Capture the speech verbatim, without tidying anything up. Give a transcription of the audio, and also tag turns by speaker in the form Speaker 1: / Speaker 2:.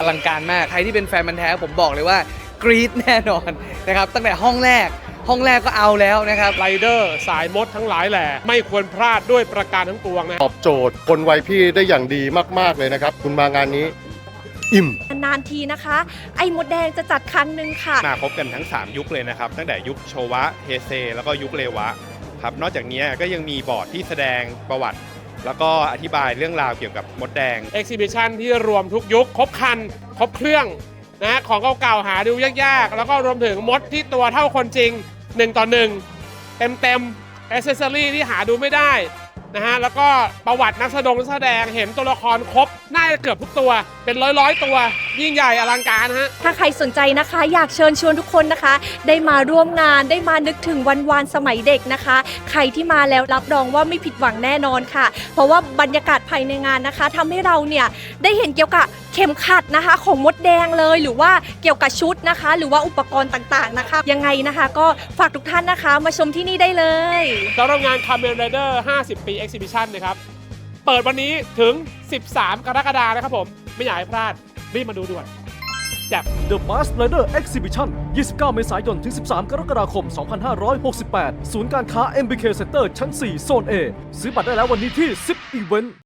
Speaker 1: ลังการมากใครที่เป็นแฟนมันธุ์แท้ผมบอกเลยว่ากรี๊ดแน่นอนนะครับตั้งแต่ห้องแรกห้องแรกก็เอาแล้วนะครับ
Speaker 2: ไรเดอร์สายมดทั้งหลายแหล่ไม่ควรพลาดด้วยประการทั้งปวงนะ
Speaker 3: ตอบโจทย์คนวัยพี่ได้อย่างดีมากๆเลยนะครับคุณมางานนี้อิ่ม
Speaker 4: นานทีนะคะไอ้มดแดงจะจัดครั้งหนึ่งค่ะ
Speaker 5: มาพบกันทั้งสามยุคเลยนะครับตั้งแต่ยุคโชวะเฮเซแล้วก็ยุคเรวะครับนอกจากนี้ก็ยังมีบอร์ดที่แสดงประวัติแล้วก็อธิบายเรื่องราวเกี่ยวกับมดแดง
Speaker 2: Exhibition ที่รวมทุกยุคครบครันครบเครื่องนะของเก่าๆหาดูยากๆแล้วก็รวมถึงมดที่ตัวเท่าคนจริงหนึ่งต่อหนึ่งเต็มเต็มแอคเซสซอรี่ที่หาดูไม่ได้นะฮะแล้วก็ประวัตินักแสดงนักแสดงเห็นตัวละครครบน่าจะเกือบทุกตัวเป็นร้อยๆตัวยิ่งใหญ่อลังการฮะ
Speaker 4: ถ้าใครสนใจนะคะอยากเชิญชวนทุกคนนะคะ ได้มาร่วมงานได้มานึกถึงวันวานสมัยเด็กนะคะใครที่มาแล้วรับรองว่าไม่ผิดหวังแน่นอนค่ะเพราะว่าบรรยากาศภายในงานนะคะทำให้เราเนี่ยได้เห็นเกี่ยวกับเข็มขัดนะคะของมดแดงเลยหรือว่าเกี่ยวกับชุดนะคะหรือว่าอุปกรณ์ต่างๆนะคะยังไงนะคะก็ฝากทุกท่านนะคะมาชมที่นี่ได้เลย
Speaker 2: สำหรับงาน Kamen Rider ห้าสิบ ปี Exhibition นะครับเปิดวันนี้ถึงสิบสามกรกฎาคมนะครับผมไม่อยากให้พลาดรีบมาดูด่วนจับ
Speaker 6: The Mask Rider Exhibition ยี่สิบเก้า เมษายน ถึง สิบสาม กรกฎาคม สองพันห้าร้อยหกสิบแปด ศูนย์การค้า เอ็ม บี เค Center ชั้น สี่ โซน A ซื้อบัตรได้แล้ววันนี้ที่ ซิป Event